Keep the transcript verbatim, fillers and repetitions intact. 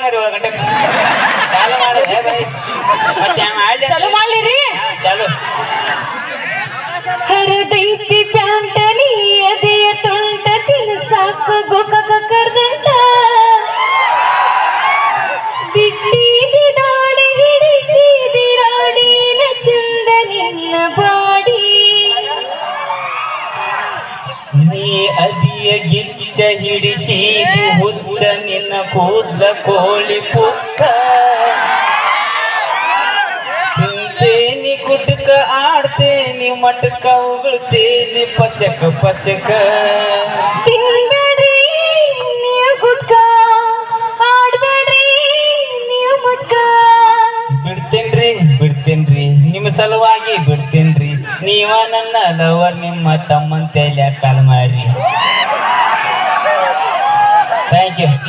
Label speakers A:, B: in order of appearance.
A: ಹಂಗಾರಿ ಏಳು ಗಂಟೆ ಚಾಲು ಮಾಡಿದೆ ಬೈ ಮತ್ತೆ ಮಾಡಿ
B: ಚಲೋ ಮಾಡ್ಲಿರಿ
A: ಚಾಲು
B: ಹರದೈತಿ ಪ್ಯಾಂಟನಿ ಎದೆಯ ತುಂಟ ತಿನ್ಸಾಕು ಗೋಕಾಕ ಕರ್ದಂತ ಬಿಟ್ಟಿದಿ ದಾಡಿ ಹಿಡಿಸಿದಿ ರಾಡಿನ ಚಂದ ನಿನ್ನ ಬಾಡಿ
A: ನೀ ಅದಿಯ ಗಿಚ್ಚ ಹಿಡಿಸಿದಿ ಹುಚ್ಚ ನಿನ್ನ ಕೂದ್ಲ ಕೋಳಿ ಪುಚ್ಚ ತಿಂತೇನಿ ಗುಡ್ಕ ಆಡ್ತೇನಿ ಮಟಕ ಉಗುಳ್ತೇನಿ ಪಚಕ ಪಚಕ
B: ತಿನ್ಬೇಡ್ರಿ ನೀವು ಗುಡ್ಕ ಆಡ್ಬೇಡ್ರಿ ನೀವು ಮುಟ್ಕ
A: ಬಿಡ್ತೇನ್ರಿ ಬಿಡ್ತೇನ್ರಿ ನಿಮ್ಮ ಸಲುವಾಗಿ ಬಿಡ್ತೇನ್ರಿ ನೀವ ನನ್ನ ಲವರ್